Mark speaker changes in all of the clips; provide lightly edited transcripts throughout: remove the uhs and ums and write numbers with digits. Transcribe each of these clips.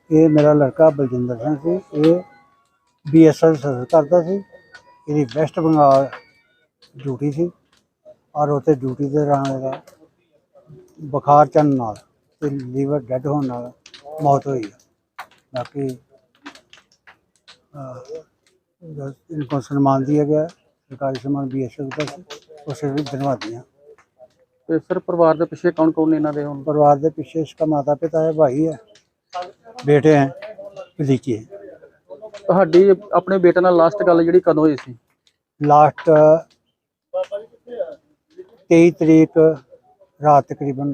Speaker 1: ये मेरा लड़का बलजिंदर सिंह सी। ये BSF सर्विस करता सी। ਇਹਦੀ ਵੈਸਟ ਬੰਗਾਲ ਡਿਊਟੀ ਸੀ ਔਰ ਉੱਥੇ ਡਿਊਟੀ ਦੇ ਦੌਰਾਨ ਇਹਦਾ ਬੁਖਾਰ ਚੜ੍ਹਨ ਨਾਲ ਤੇ ਲੀਵਰ ਡੈਡ ਹੋਣ ਨਾਲ ਮੌਤ ਹੋਈ ਹੈ। ਬਾਕੀ इनको सम्मान दिया गया, सरकारी सम्मान BSF का उसे भी धन्यवाद दिया।
Speaker 2: ਤੇ ਸਰ ਪਰਿਵਾਰ ਦੇ ਪਿੱਛੇ ਕੌਣ ਕੌਣ ਨੇ ਇਹਨਾਂ ਦੇ ਹੁਣ?
Speaker 1: परिवार के पीछे इसका माता पिता है, भाई है, बेटे हैं, भतीजे हैं।
Speaker 2: ਤੁਹਾਡੀ ਆਪਣੇ ਬੇਟੇ ਨਾਲ ਲਾਸਟ ਗੱਲ ਜਿਹੜੀ ਕਦੋਂ ਹੋਈ ਸੀ?
Speaker 1: लास्ट 23 तरीक रात तकरीबन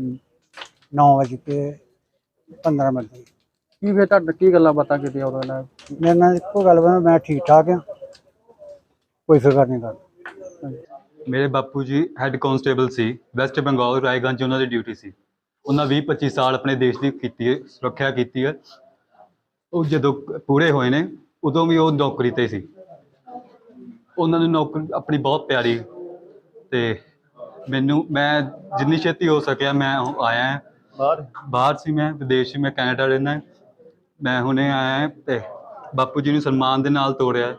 Speaker 1: 9:15 की।
Speaker 2: ਕੀ ਫਿਰ ਤੁਹਾਡੇ ਕੀ ਗੱਲਾਂ ਬਾਤਾਂ ਕੀਤੀਆਂ ਉਦੋਂ ਨਾਲ?
Speaker 1: मेरे नाल एको गल मैं ठीक ठाक हाँ, कोई फिक्र नहीं करता।
Speaker 3: ਮੇਰੇ ਬਾਪੂ ਜੀ ਹੈੱਡ ਕਾਂਸਟੇਬਲ ਸੀ ਵੈਸਟ ਬੰਗਾਲ ਰਾਏਗੰਜ, ਉਹਨਾਂ ਦੀ ਡਿਊਟੀ ਸੀ। ਉਹਨਾਂ 20-25 ਸਾਲ ਆਪਣੇ ਦੇਸ਼ ਦੀ ਕੀਤੀ ਹੈ, ਸੁਰੱਖਿਆ ਕੀਤੀ ਹੈ। ਉਹ ਜਦੋਂ ਪੂਰੇ ਹੋਏ ਨੇ ਉਦੋਂ ਵੀ ਉਹ ਨੌਕਰੀ 'ਤੇ ਸੀ। ਉਹਨਾਂ ਨੂੰ ਨੌਕਰੀ ਆਪਣੀ ਬਹੁਤ ਪਿਆਰੀ, ਅਤੇ ਮੈਂ ਜਿੰਨੀ ਛੇਤੀ ਹੋ ਸਕਿਆ ਮੈਂ ਆਇਆ ਬਾਹਰ ਸੀ, ਮੈਂ ਵਿਦੇਸ਼ ਸੀ, ਮੈਂ ਕੈਨੇਡਾ ਰਹਿੰਦਾ। ਮੈਂ ਹੁਣੇ ਆਇਆ ਅਤੇ ਬਾਪੂ ਜੀ ਨੂੰ ਸਨਮਾਨ ਦੇ ਨਾਲ ਤੋੜਿਆ।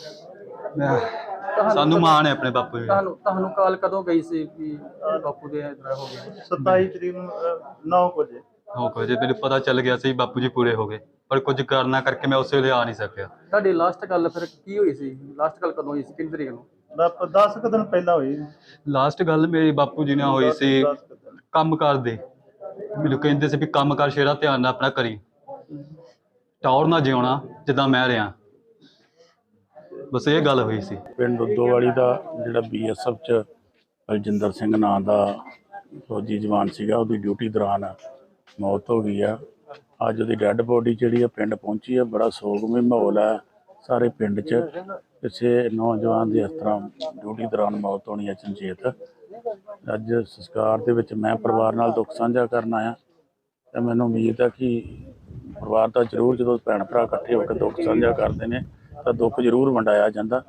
Speaker 3: ਸਾਨੂੰ ਮਾਣ ਹੈ ਆਪਣੇ ਬਾਪੂ ਜੀ।
Speaker 2: ਤੁਹਾਨੂੰ ਕਾਲ ਕਦੋਂ ਗਈ ਸੀ ਕਿ ਬਾਪੂ ਦੇ ਇਤਨਾ ਹੋ ਗਿਆ?
Speaker 4: 27 ਤਰੀਕ ਨੂੰ 9 ਵਜੇ।
Speaker 3: 9 ਵਜੇ ਮੈਨੂੰ ਪਤਾ ਚੱਲ ਗਿਆ ਸੀ ਬਾਪੂ ਜੀ ਪੂਰੇ ਹੋ ਗਏ, ਪਰ ਕੁਝ ਕਾਰਨਾਂ ਕਰਕੇ ਮੈਂ ਉਸੇ ਵੇਲੇ ਆ ਨਹੀਂ ਸਕਿਆ।
Speaker 2: ਤੁਹਾਡੀ ਲਾਸਟ ਗੱਲ ਫਿਰ ਕੀ ਹੋਈ ਸੀ? ਲਾਸਟ ਗੱਲ ਕਦੋਂ ਹੋਈ ਸੀ, ਕਿੰਨੀ ਤਰੀਕ ਨੂੰ?
Speaker 4: 10 ਕੁ ਦਿਨ ਪਹਿਲਾਂ ਹੋਈ।
Speaker 3: ਲਾਸਟ ਗੱਲ ਮੇਰੀ ਬਾਪੂ ਜੀ ਨਾਲ ਹੋਈ ਸੀ ਕੰਮ ਕਰਦੇ। ਮੈਨੂੰ ਕਹਿੰਦੇ ਸੀ ਵੀ ਕੰਮ ਕਰ ਸ਼ੇਰਾ, ਧਿਆਨ ਨਾਲ ਆਪਣਾ ਕਰੀ, ਟੌਰ ਨਾ ਜਿਉਣਾ ਜਿੱਦਾਂ ਮੈਂ ਰਿਹਾ। ਬਸ ਇਹ ਗੱਲ ਹੋਈ ਸੀ।
Speaker 5: ਪਿੰਡ ਉਦੋਵਾਲੀ ਦਾ ਜਿਹੜਾ BSF 'ਚ ਬਲਜਿੰਦਰ ਸਿੰਘ ਨਾਂ ਦਾ ਫੌਜੀ ਜਵਾਨ ਸੀਗਾ, ਉਹਦੀ ਡਿਊਟੀ ਦੌਰਾਨ ਮੌਤ ਹੋ ਗਈ ਆ। ਅੱਜ ਉਹਦੀ ਡੈੱਡ ਬੋਡੀ ਜਿਹੜੀ ਆ ਪਿੰਡ ਪਹੁੰਚੀ ਆ। ਬੜਾ ਸੋਗਮਈ ਮਾਹੌਲ ਹੈ ਸਾਰੇ ਪਿੰਡ 'ਚ। ਕਿਸੇ ਨੌਜਵਾਨ ਦੀ ਇਸ ਤਰ੍ਹਾਂ ਡਿਊਟੀ ਦੌਰਾਨ ਮੌਤ ਹੋਣੀ ਹੈ ਅਚਨਚੇਤ। ਅੱਜ ਸੰਸਕਾਰ ਦੇ ਵਿੱਚ ਮੈਂ ਪਰਿਵਾਰ ਨਾਲ ਦੁੱਖ ਸਾਂਝਾ ਕਰਨ ਆਇਆ, ਅਤੇ ਮੈਨੂੰ ਉਮੀਦ ਹੈ ਕਿ ਪਰਿਵਾਰ ਦਾ ਜ਼ਰੂਰ, ਜਦੋਂ ਭੈਣ ਭਰਾ ਇਕੱਠੇ ਹੋ ਕੇ ਦੁੱਖ ਸਾਂਝਾ ਕਰਦੇ ਨੇ ਤਾਂ ਦੁੱਖ ਜ਼ਰੂਰ ਵੰਡਾਇਆ ਜਾਂਦਾ।